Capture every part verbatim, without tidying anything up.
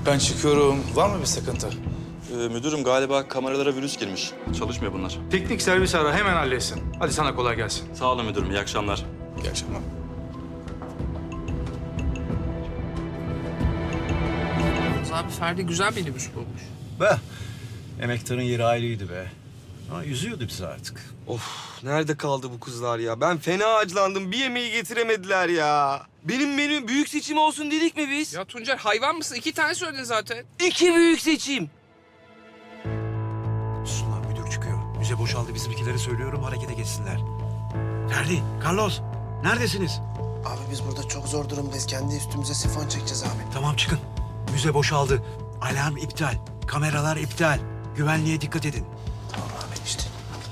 Ben çıkıyorum. Var mı bir sıkıntı? Ee, müdürüm galiba kameralara virüs girmiş. Çalışmıyor bunlar. Teknik servis ara, hemen halletsin. Hadi sana kolay gelsin. Sağ olun müdürüm, iyi akşamlar. İyi akşamlar. Abi Ferdi güzel minibüs bulmuş. Be, emektarın yeri ayrıydı be. Ama yüzüyordu bizi artık. Of, nerede kaldı bu kızlar ya? Ben fena acılandım. Bir yemeği getiremediler ya. Benim menü büyük seçim olsun dedik mi biz? Ya Tuncer hayvan mısın? İki tane söyledin zaten. İki büyük seçim. Sunan müdür çıkıyor. Müze boşaldı, bizimkileri söylüyorum, harekete geçsinler. Ferdi, Carlos, neredesiniz? Abi biz burada çok zor durumdayız. Kendi üstümüze sifon çekeceğiz abi. Tamam, çıkın. Müze boşaldı. Alarm iptal. Kameralar iptal. Güvenliğe dikkat edin. Tamam abi işte.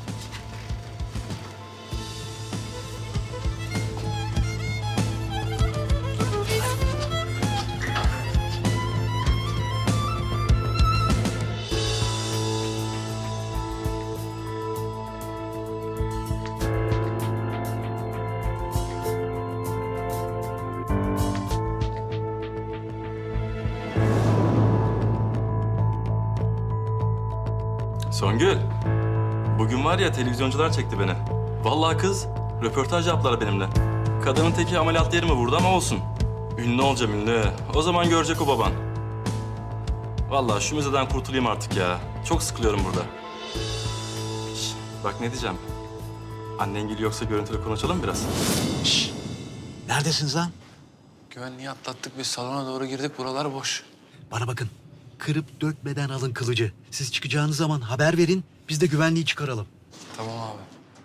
Songül, bugün var ya televizyoncular çekti beni. Vallahi kız, röportaj yaptılar benimle. Kadının teki ameliyat yerimi vurdu ama olsun. Ünlü olacağım ünlü. O zaman görecek o baban. Vallahi şu müzeden kurtulayım artık ya. Çok sıkılıyorum burada. Şş, bak ne diyeceğim. Annengil yoksa görüntülü konuşalım biraz. Şşş! Neredesiniz lan? Güvenliği atlattık biz salona doğru girdik buralar boş. Bana bakın. Kırıp dökmeden alın kılıcı. Siz çıkacağınız zaman haber verin, biz de güvenliği çıkaralım. Tamam abi.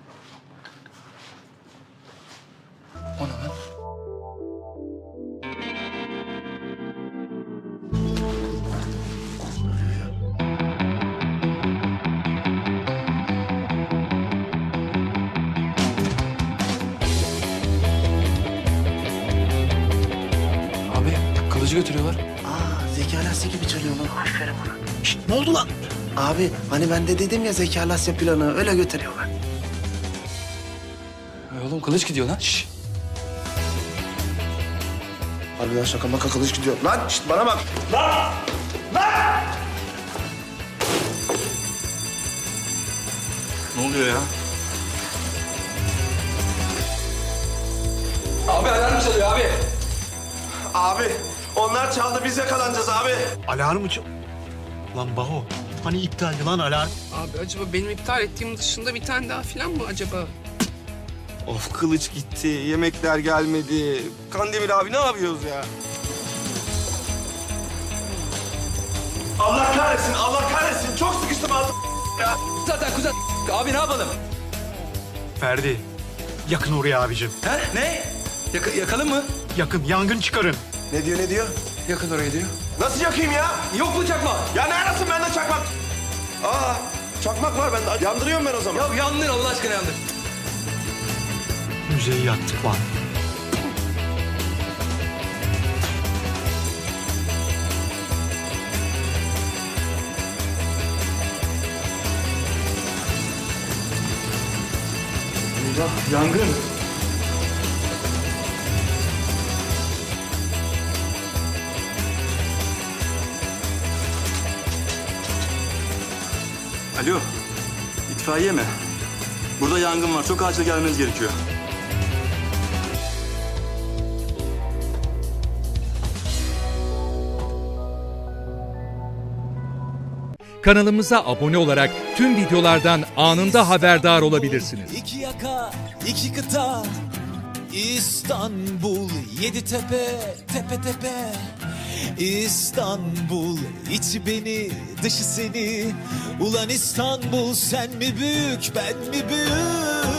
O ne lan? Abi kılıcı götürüyorlar. Aa Zeki Alasya gibi çalıyor lan. Aferin ona. Şşt, ne oldu lan? Abi hani ben de dedim ya Zeki Alasya planı öyle götürüyorlar. Ay oğlum kılıç gidiyor lan. Şşş. Harbiden şaka maka kılıç gidiyor. Lan şşt bana bak. Ne oluyor ya? Abi alarm çalıyor abi. Abi, onlar çaldı. Biz yakalanacağız abi. Alarmı çal... Lan Baho, hani iptaldi lan alarm? Abi acaba benim iptal ettiğim dışında bir tane daha falan mı acaba? Of, kılıç gitti. Yemekler gelmedi. Kandemir abi ne yapıyoruz ya? Allah kahretsin, Allah kahretsin. Çok sıkıştım ağzım ya. Zaten kuzen abi ne yapalım? Ferdi, yakın oraya abicim. He ne? Yaka yakalım mı? Yakın, yangın çıkarın. Ne diyor ne diyor? Yakın oraya diyor. Nasıl yakayım ya? Yok mu çakma? Ya ne arasın bende çakmak? Aa, çakmak var bende. Yandırıyorum ben o zaman. Ya yandın Allah aşkına yandın. Müzeyi yaktık lan. Yangın. Alo, itfaiye mi? Burada yangın var, çok acil gelmeniz gerekiyor. Kanalımıza abone olarak tüm videolardan anında haberdar olabilirsiniz. İki yaka, iki kıta, İstanbul, yedi tepe, tepe tepe. İstanbul, içi beni, dışı seni. Ulan İstanbul, sen mi büyük, ben mi büyük?